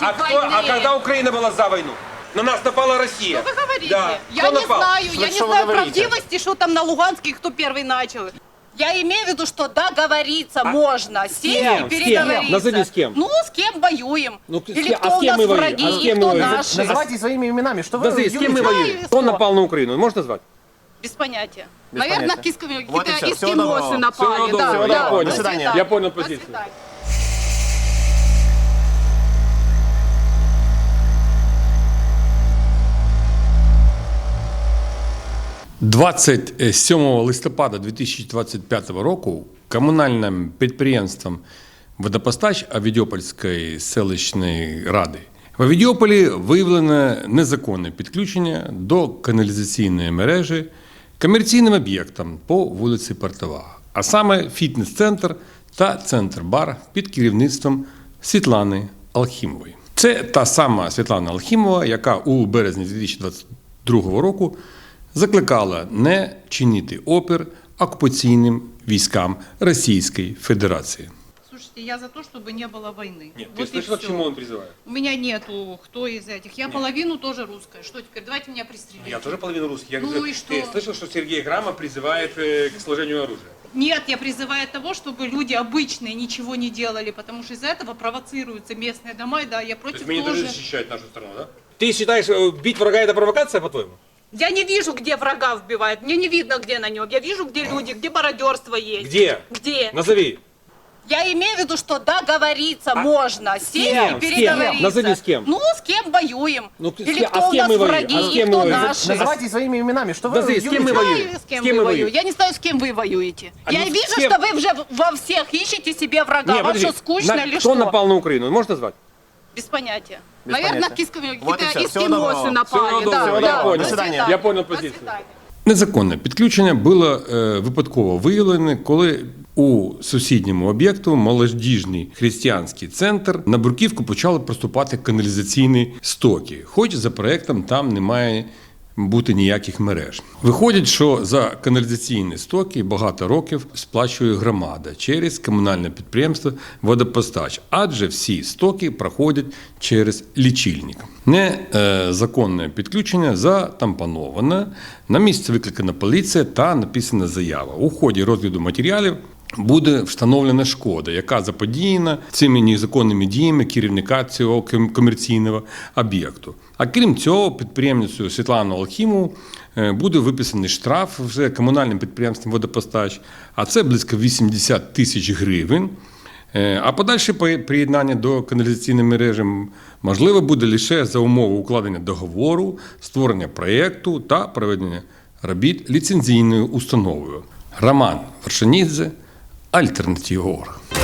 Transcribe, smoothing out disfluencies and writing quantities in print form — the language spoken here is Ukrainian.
А когда Украина была за войну? На нас напала Россия. Что вы говорите? Да. Я не знаю, я не Что вы знаю говорите? правдивости, что там на Луганске, кто первый начал. Я имею в виду, что договориться можно, сесть и переговориться. Назови с кем. Ну, с кем воюем. Ну, Или а кто с у кем нас мы воюем? враги, А с кем кто мы воюем? наши. Называйте своими именами. Что вы Назови, с кем мы Юрий, воюем? знаю, Кто что? напал на Украину? Можешь назвать? Без понятия. Без Наверное, понятия. какие-то Вот и всё. Всего доброго. эскимосы напали. Всего доброго. Да, Я да. понял. До свидания. Я понял До позицию. свидания. – 27 листопада 2025 року комунальним підприємством «Водопостач» Авідіопольської селищної ради в Авідіополі виявлено незаконне підключення до каналізаційної мережі комерційним об'єктам по вулиці Портова, а саме фітнес-центр та центр-бар під керівництвом Світлани Алхімової. Це та сама Світлана Алхімова, яка у березні 2022 року закликала не чинити опір окупаційним військам Російської Федерації. Слушайте, я за то, чтобы не было войны. Нет, ты Вот и слышала, к всё. чему он призывает? У меня нету кто из этих. Я половину тоже русская. Что теперь? Давайте меня пристрелите. Я тоже половину русский. Я Ну говорю, и что? Ты слышал, что Сергей Грама призывает к сложению оружия? Нет, я призываю того, чтобы люди обычные ничего не делали, потому что из-за этого провоцируются местные дома. И да, я То против есть мы не тоже. должны защищать нашу страну, да? Ты считаешь, бить врага это провокация, по-твоему? Я не вижу, где врага вбивают. Мне не видно, где на нем. Я вижу, где люди, где мародерство есть. Где? Где? Назови. Я имею в виду, что договориться можно, сесть и кем? переговориться. Назови, с кем. Ну, с кем воюем. Ну, Или а кто с у кем нас мы воюем? враги, А с и кем мы кто воюем? наши. Называйте своими именами. Что вы Назови, с кем мы юлите? воюем? Знаю, с кем С кем вы мы воюете. воюем? Я не знаю, с кем вы воюете. А Я ну, с вижу, кем? что вы уже во всех ищете себе врага. Не, Вам подожди. что, скучно или Кто что? напал на Украину? Можешь назвать? Без понятия. Без Наверное, понятия. какие-то Вот и всё. Всего эскимосы доброго. напали. Всего Да, доброго. да. Я понял. До До свидания. свидания. Я понял До позицию. свидания. Незаконне підключення було випадково виявлене, коли у сусідньому об'єкту молодіжний християнський центр на бруківку почали проступати каналізаційні стоки, хоч за проектом там немає бути ніяких мереж. Виходить, що за каналізаційні стоки багато років сплачує громада через комунальне підприємство «Водопостач», адже всі стоки проходять через лічильник. Незаконне підключення затампоноване, на місце викликана поліція та написана заява. У ході розгляду матеріалів буде встановлена шкода, яка заподіяна цими незаконними діями керівника цього комерційного об'єкту. А крім цього, підприємницю Світлану Алхімову буде виписаний штраф вже комунальним підприємством «Водопостач», а це близько 80 тисяч гривень. А подальше приєднання до каналізаційної мережі можливо буде лише за умови укладення договору, створення проєкту та проведення робіт ліцензійною установою. Роман Вершинідзе, Альтернатива.орг.